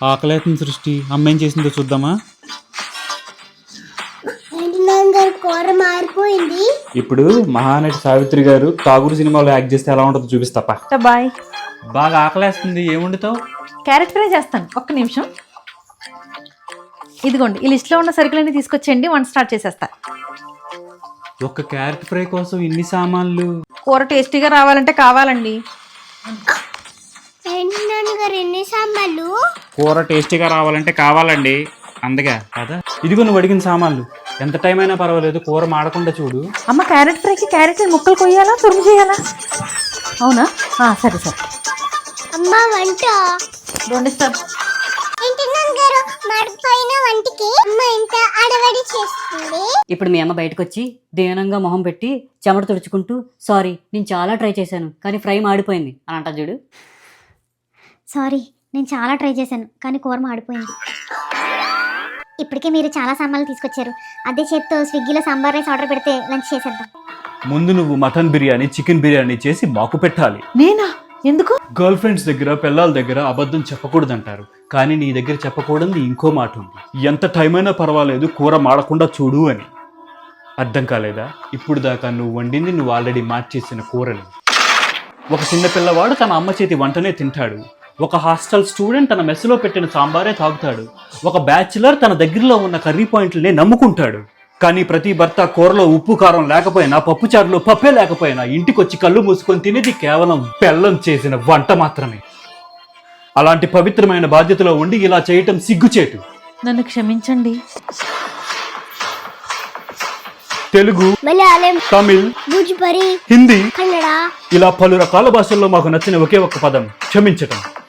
ఆకలేతుంది సృష్టి. అమ్మ ఏం చేసిందో చూద్దామా? కూర మారిపోయింది. ఇప్పుడు మహానటి సావిత్రి గారు తాగుడు సినిమాలో యాక్ట్ చేస్తే ఎలా ఉంటుందో చూపిస్తాపా. బాయ్. బాగా ఆకలేస్తుంది. ఏం వండుతావు? క్యారెట్ ఫ్రై చేస్తాను, ఒక్క నిమిషం. ఇదిగోండి, ఈ లిస్ట్లో ఉన్న సరుకులన్నీ తీసుకొచ్చేయండి, వంట స్టార్ట్ చేసేస్తా. ఒక క్యారెట్ ఫ్రై కోసం ఇన్ని సామాన్లు? కూర టేస్టీగా రావాలంటే కావాలండి. నాన్నగారు ఎన్ని సాంబార్లు? కూర టేస్టీగా రావాలంటే కావాలండి, అందుకే కదా. ఇదిగో నువ్వు అడిగిన సామాన్లు. ఎంత టైం అయినా పర్వాలేదు, కూర మాడకుండా చూడు. అమ్మ, క్యారెట్ ఫ్రైకి క్యారెట్ ముక్కలు కొయ్యాలా, తురుము చేయాలా? అవునా, సరే సరే. అమ్మ వంట వండిస్తాను. ఏంటి నాన్నగారు మాడిపోయిన వంటకి అమ్మ ఇంత అడవడి చేస్తుంది? ఇప్పుడు మీ అమ్మ బయటకు వచ్చి దీనంగా మొహం పెట్టి చెమట తుడుచుకుంటూ సారీ నేను చాలా ట్రై చేశాను కానీ ఫ్రై మాడిపోయింది అని అంటా చూడు. సారీ నేను చాలా ట్రై చేశాను కానీ కూర మాడిపోయింది. ఇప్పటికే మీరు చాలా సామాన్లు తీసుకొచ్చారు, అదే చేత్తో స్విగ్గీలో సాంబార్ రైస్ ఆర్డర్ పెడితే లంచ్ చేసేద్దాం. ముందు నువ్వు మటన్ బిర్యానీ, చికెన్ బిర్యానీ చేసి మాకు పెట్టాలి. నేనా? ఎందుకు? గర్ల్ ఫ్రెండ్స్ దగ్గర, పిల్లల దగ్గర అబద్ధం చెప్పకూడదంటారు, కానీ నీ దగ్గర చెప్పకూడదు ఇంకో మాట ఉంది. ఎంత టైం అయినా పర్వాలేదు, కూర మాడకుండా చూడు అని. అర్థం కాలేదా? ఇప్పుడు దాకా నువ్వు వండింది నువ్వు ఆల్రెడీ మార్చేసిన కూరని. ఒక చిన్న పిల్లవాడు తన అమ్మ చేతి వంటనే తింటాడు. ఒక హాస్టల్ స్టూడెంట్ తన మెస్సులో పెట్టిన సాంబారే తాగుతాడు. ఒక బ్యాచులర్ తన దగ్గరలో ఉన్న కర్రీ పాయింట్లనే నమ్ముకుంటాడు. కానీ ప్రతి భర్త కూరలో ఉప్పు కారం లేకపోయినా, పప్పుచారులో పప్పే లేకపోయినా ఇంటికొచ్చి కళ్ళు మూసుకొని తినేది కేవలం బెల్లం చేసిన వంట మాత్రమే. అలాంటి పవిత్రమైన బాధ్యతలో ఉండి ఇలా చేయటం సిగ్గుచేటు. నన్ను క్షమించండి. తెలుగు, మలయాళం, తమిళ్, భోజ్పురి, హిందీ, కన్నడ ఇలా పలు రకాల భాషల్లో మాకు నచ్చిన ఒకే ఒక్క పదం క్షమించటం.